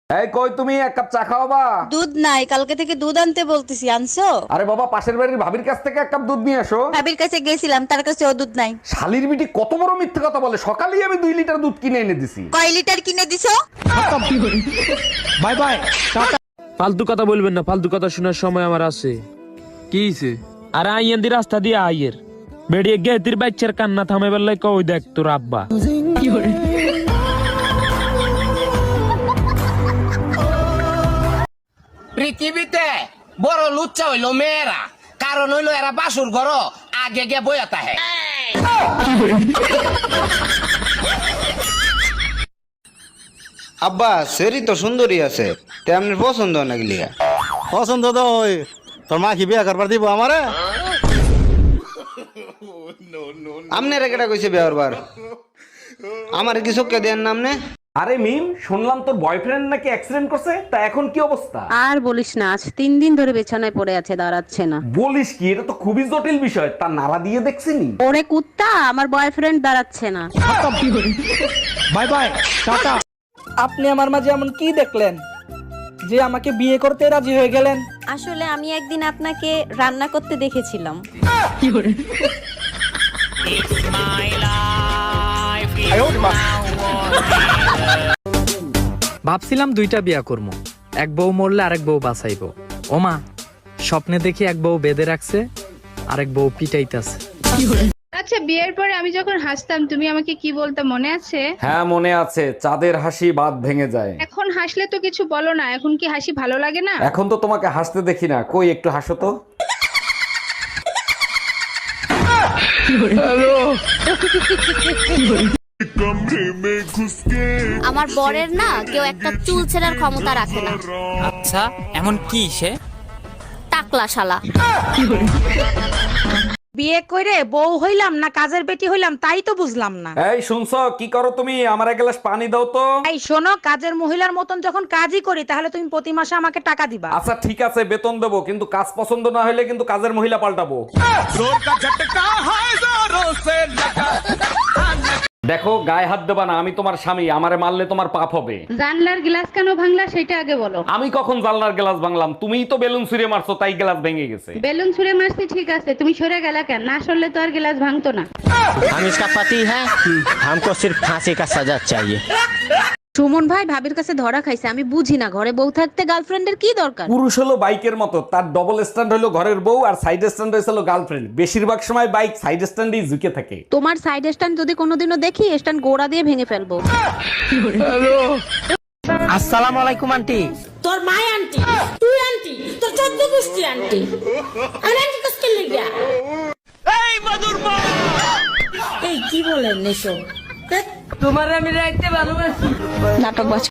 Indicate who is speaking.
Speaker 1: এই কই তুমি, এক কাপ চা খাওয়াবা?
Speaker 2: দুধ নাই, কালকে থেকে দুধ আনতে বলতেছি, আনছো?
Speaker 1: আরে বাবা, পাশের বাড়ির ভাবির কাছ থেকে এক কাপ দুধ নিয়ে আসো।
Speaker 2: ভাবির কাছে গেছিলাম, তার কাছে ও দুধ নাই।
Speaker 1: শালির বিটি কত বড় মিথ্যে কথা বলে, সকালেই আমি 2 লিটার দুধ কিনে এনে দিছি।
Speaker 2: কয় লিটার কিনে দিছো?
Speaker 3: Bye bye, tata. ফালতু কথা বলবেন না, ফালতু কথা শোনার সময় আমার আছে।
Speaker 4: কি হইছে?
Speaker 3: আরে আইয়েন দি রাস্তা দিয়ে আইয়ের বেড়িয়ে গেতির বাচ্চার কান্না থামে বেলায় কই দেখ তোর আব্বা।
Speaker 5: পৃথিবীতে বড় লুচ্চা হইলো মেয়েরা, কারণ হইলো এরা বাসুর ঘর আগে গিয়ে বইয়া তাহে।
Speaker 6: আব্বা সেরি তো সুন্দরী আছে, তেমনি পছন্দ নাগলি।
Speaker 7: পছন্দ তো ওই তোর মা কি বিয়া করবার দিব আমারে?
Speaker 6: আমনে রেকেটা কইছে বিয়ার বার, আমার কি চোখকে দেন নামনে?
Speaker 1: আরে মিম, শুনলাম তোর বয়ফ্রেন্ড নাকি অ্যাক্সিডেন্ট করছে, তা এখন কি অবস্থা?
Speaker 8: আর বলিস না, আজ 3 দিন ধরে বিছানায় পড়ে আছে, দাঁড়াচ্ছে না।
Speaker 1: বলিস কি, এটা তো খুবই জটিল বিষয়। তা নাড়া দিয়ে দেখছিনি?
Speaker 8: ওরে কুত্তা, আমার বয়ফ্রেন্ড দাঁড়াচ্ছে না।
Speaker 3: Bye bye, tata.
Speaker 9: আপনি আমার মাঝে এমন কি দেখলেন যে আমাকে বিয়ে করতে রাজি হয়ে গেলেন?
Speaker 2: আসলে আমি একদিন আপনাকে রান্না করতে দেখেছিলাম।
Speaker 4: ভাবছিলাম 2টা বিয়া করবো, এক বউ মরলে আরেক বউ বাঁচাইবো। ওমা, স্বপ্নে দেখি এক বউ বেঁধে রাখছে, আরেক বউ পিটাইতাছে।
Speaker 10: আচ্ছা, বিয়ের পরে আমি যখন হাসতাম তুমি আমাকে কি বলতে মনে আছে?
Speaker 1: হ্যাঁ মনে আছে, চাঁদের হাসি বাদ ভেঙে যায়।
Speaker 10: এখন হাসলে তো কিছু বলো না, এখন কি হাসি ভালো লাগে না?
Speaker 1: এখন তো তোমাকে হাসতে দেখি না, কই একটু হাসো তো।
Speaker 2: আমার বরের না কেউ একটা চুল ছেঁড়ার ক্ষমতা রাখে না।
Speaker 4: আচ্ছা, এমন কি সে?
Speaker 2: টাকলা শালা।
Speaker 8: বিয়ে করে বউ হইলাম না কাজের বেটি হইলাম তাই তো বুঝলাম না।
Speaker 1: এই শুনছো, কি করো তুমি? আমার এক গ্লাস পানি দাও তো।
Speaker 8: এই শোনো, কাজের মহিলার মতন যখন কাজই করি তাহলে তুমি প্রতি মাসে আমাকে টাকা দিবা।
Speaker 1: আচ্ছা ঠিক আছে, বেতন দেবো, কিন্তু কাজ পছন্দ না হলে কিন্তু কাজের মহিলা পাল্টাবো। দেখো, গায়ে হাত দেবা না, আমি তোমার স্বামী, আমারে মারলে তোমার পাপ হবে।
Speaker 10: জানলার গ্লাস কেন ভাঙলা সেটা আগে বলো।
Speaker 1: আমি কখন জানলার গ্লাস ভাঙলাম? তুমিই তো বেলুন ছুঁড়ে মারছো, তাই গ্লাস ভেঙে গেছে।
Speaker 10: বেলুন ছুঁড়ে মারছি ঠিক আছে, তুমি সরে গেলা কেন? না সরলে তো আর গ্লাস ভাঙতো না।
Speaker 5: हम इसका पति है, हमको सिर्फ फांसी का सजा चाहिए।
Speaker 8: সুমন ভাই ভাবির কাছে ধরা খাইছে, আমি বুঝি না ঘরে বউ থাকতে গার্লফ্রেন্ডের কি দরকার।
Speaker 1: পুরুষ হলো বাইকের মতো, তার ডবল স্ট্যান্ড হলো ঘরের বউ, আর সাইড স্ট্যান্ড হলো গার্লফ্রেন্ড। বেশিরভাগ সময় বাইক সাইড স্ট্যান্ডেই ঝুঁকে থাকে।
Speaker 8: তোমার সাইড স্ট্যান্ড যদি কোনোদিনও দেখি, স্ট্যান্ড গোড়া দিয়ে ভেঙে ফেলবো।
Speaker 5: আসসালামু আলাইকুম আন্টি।
Speaker 2: তোর মা আন্টি, তুই আন্টি, তোর 14 গোষ্ঠী আন্টি। আমি আন্টি কষ্ট লাগা। এই মধুর মা, এই কি বলেন এসব?
Speaker 9: তোমার আমি রাখতে ভালোবাসি।
Speaker 8: নাটক